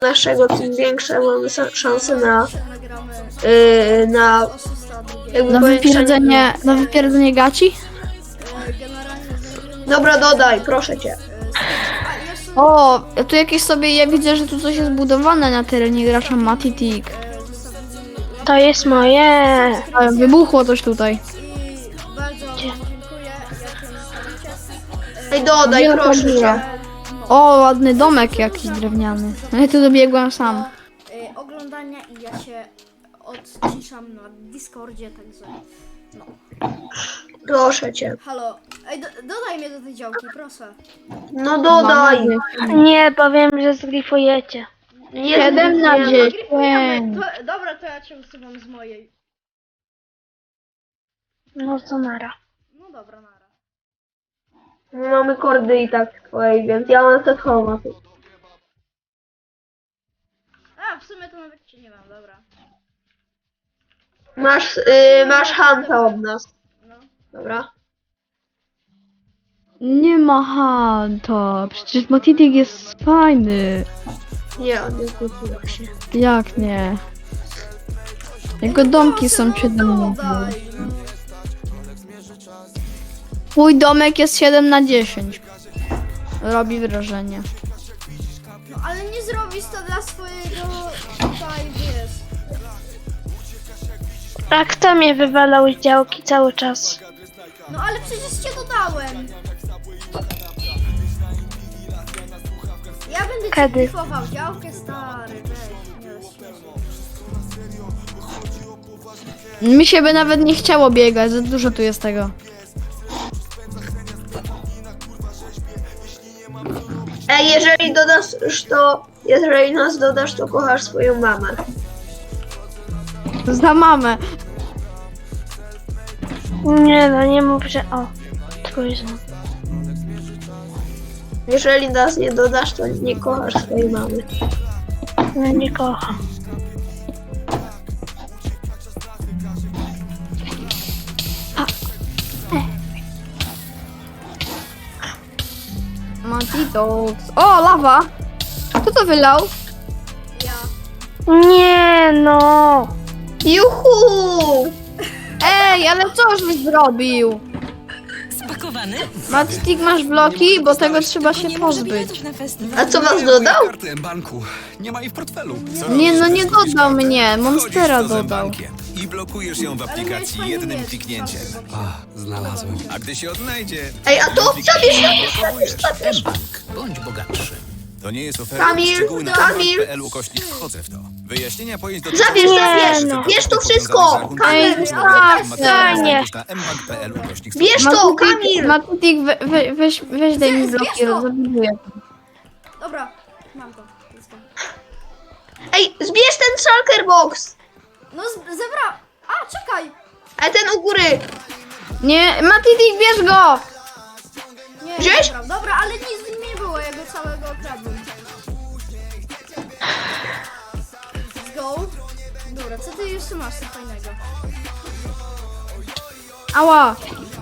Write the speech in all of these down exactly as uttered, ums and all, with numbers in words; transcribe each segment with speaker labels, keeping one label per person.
Speaker 1: naszego, tym większe mamy szanse na yy, na jakby
Speaker 2: Na
Speaker 1: powiększenie.
Speaker 2: wypierdzenie, na wypierdzenie gaci?
Speaker 1: Dobra, dodaj, proszę cię.
Speaker 2: O, tu jakieś sobie, ja widzę, że tu coś jest budowane na terenie gracza Matitik.
Speaker 3: To jest moje.
Speaker 2: Ale wybuchło coś tutaj.
Speaker 4: I bardzo wam dziękuję.
Speaker 1: Ej, dodaj,
Speaker 2: Wielka
Speaker 1: proszę
Speaker 2: dziura.
Speaker 1: cię.
Speaker 2: O, ładny domek jakiś drewniany. No ja tu dobiegłem sam.
Speaker 4: Y, oglądania i ja się odciszam na Discordzie, także no.
Speaker 1: Proszę cię.
Speaker 4: Halo, ej, do, dodaj mnie do tej działki, proszę.
Speaker 1: No dodaj.
Speaker 3: Nie, powiem, że zgrifujecie.
Speaker 1: Nie
Speaker 2: siedem na
Speaker 1: nie,
Speaker 2: dziesięć.
Speaker 4: To, dobra, to ja cię usuwam z mojej.
Speaker 3: No to nara.
Speaker 4: No dobra, nara.
Speaker 1: Mamy kordy i tak twojej, więc ja mam set home.
Speaker 4: A, w sumie to nawet cię nie mam, dobra.
Speaker 1: Masz, yy, masz Hanta od nas.
Speaker 4: No.
Speaker 1: Dobra.
Speaker 2: Nie ma Hanta. Przecież Matitik jest fajny.
Speaker 1: Nie, on nie zgubił się.
Speaker 2: Jak nie? Jego domki są siedem na
Speaker 4: Dodaj, no.
Speaker 2: Mój domek jest siedem na dziesięć. Robi wrażenie.
Speaker 4: No ale nie zrobisz to dla swojego tutaj, wiesz.
Speaker 3: A kto mnie wywalał z działki cały czas?
Speaker 4: No ale przecież cię dodałem. Ja będę ci
Speaker 3: Kiedy?
Speaker 4: klifował działkę, stary, weź, nie rozśmieszaj.
Speaker 2: Mi się by nawet nie chciało biegać, za dużo tu jest tego.
Speaker 1: Ej, jeżeli dodasz to, jeżeli nas dodasz, to kochasz swoją mamę.
Speaker 2: Za mamę.
Speaker 3: Nie no, nie mów, że o. Trójzą.
Speaker 1: Jeżeli nas nie dodasz, to nie kochasz swojej mamy.
Speaker 3: No nie kocham.
Speaker 2: Matitox. O, lawa! Kto to wylał?
Speaker 4: Ja.
Speaker 3: Nie no.
Speaker 1: Juhu!
Speaker 2: Ej, ale coż byś zrobił?
Speaker 5: Spakowany?
Speaker 2: Matitik, masz bloki, bo tego trzeba się
Speaker 5: Nie może
Speaker 2: pozbyć.
Speaker 5: biletów na festiwal.
Speaker 1: A co was dodał?
Speaker 6: Karty banku. Nie ma jej w portfelu. Co
Speaker 2: Nie,
Speaker 6: robisz,
Speaker 2: no
Speaker 6: jak
Speaker 2: nie
Speaker 6: zgubisz
Speaker 2: dodał
Speaker 6: kartę?
Speaker 2: mnie, Monstera
Speaker 6: Wchodzisz do
Speaker 2: dodał.
Speaker 6: zębankiem I blokujesz ją w
Speaker 4: Ale miałeś
Speaker 6: aplikacji
Speaker 4: fajny
Speaker 6: jednym
Speaker 4: miecz,
Speaker 6: kliknięciem.
Speaker 4: tak,
Speaker 6: Znalazłem. A gdy się odnajdzie...
Speaker 1: Ej, a to
Speaker 6: jednym
Speaker 1: zabierz,
Speaker 6: kliknięciem
Speaker 1: zabierz, zabierz,
Speaker 6: odblokowujesz.
Speaker 1: zabierz.
Speaker 6: Bądź bogatszy. To nie jest oferta.
Speaker 1: Kamil,
Speaker 6: Szczegóły na
Speaker 1: Kamil.
Speaker 6: p l ukośnik wchodzę w to. Wyjaśnienia pojęć do
Speaker 1: Zabierz, zabierz, bierz to wszystko!
Speaker 2: Ej,
Speaker 1: Kamil,
Speaker 3: fajnie.
Speaker 1: bierz to, Kamil!
Speaker 2: Matitik, we, we, weź, weź daj mi
Speaker 4: Zbierz
Speaker 2: bloki,
Speaker 4: to!
Speaker 2: zabuduję.
Speaker 4: Dobra, mam to. Let's go.
Speaker 1: Ej, zbierz ten shulker box!
Speaker 4: No z- zebra. A, czekaj.
Speaker 1: A ten u góry!
Speaker 2: Nie, Matitik, bierz go!
Speaker 4: Nie,
Speaker 1: Wziąłeś?
Speaker 4: dobra, dobra, ale nic z nim nie było, ja go całego okradłem. Let's go. Dobra, co ty jeszcze masz co fajnego?
Speaker 2: Ała!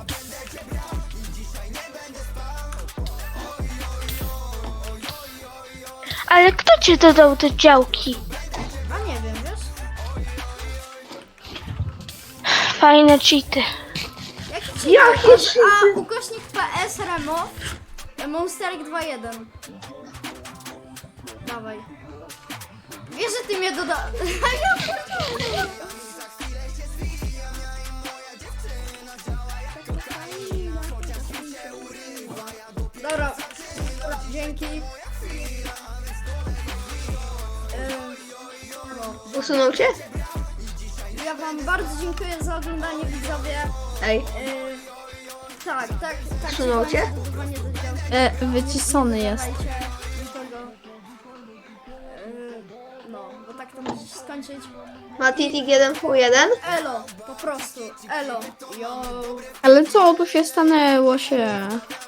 Speaker 3: Ale kto ci dodał te działki?
Speaker 4: A nie wiem, wiesz?
Speaker 3: Fajne cheaty.
Speaker 4: Jak ci
Speaker 1: Jakie
Speaker 4: masz?
Speaker 1: cheaty?
Speaker 4: A, ukośnik P S Remo. Monsterek dwa jeden. Dawaj. Wiesz, że ty mnie doda... Ja Dobra, dzięki. Ym, no.
Speaker 1: Usunął cię?
Speaker 4: Ja wam bardzo dziękuję za oglądanie, widzowie.
Speaker 1: Ej,
Speaker 4: Yy, tak, tak, tak.
Speaker 1: Usunął cię?
Speaker 4: Zdecydowanie do działki.
Speaker 2: E, wycisony jest.
Speaker 4: Dajcie nikogo. Yy, no, bo tak to może się skończyć.
Speaker 1: Matitik jeden w jeden.
Speaker 4: Elo, po prostu, elo, yo.
Speaker 2: Ale co tu się stanęło się?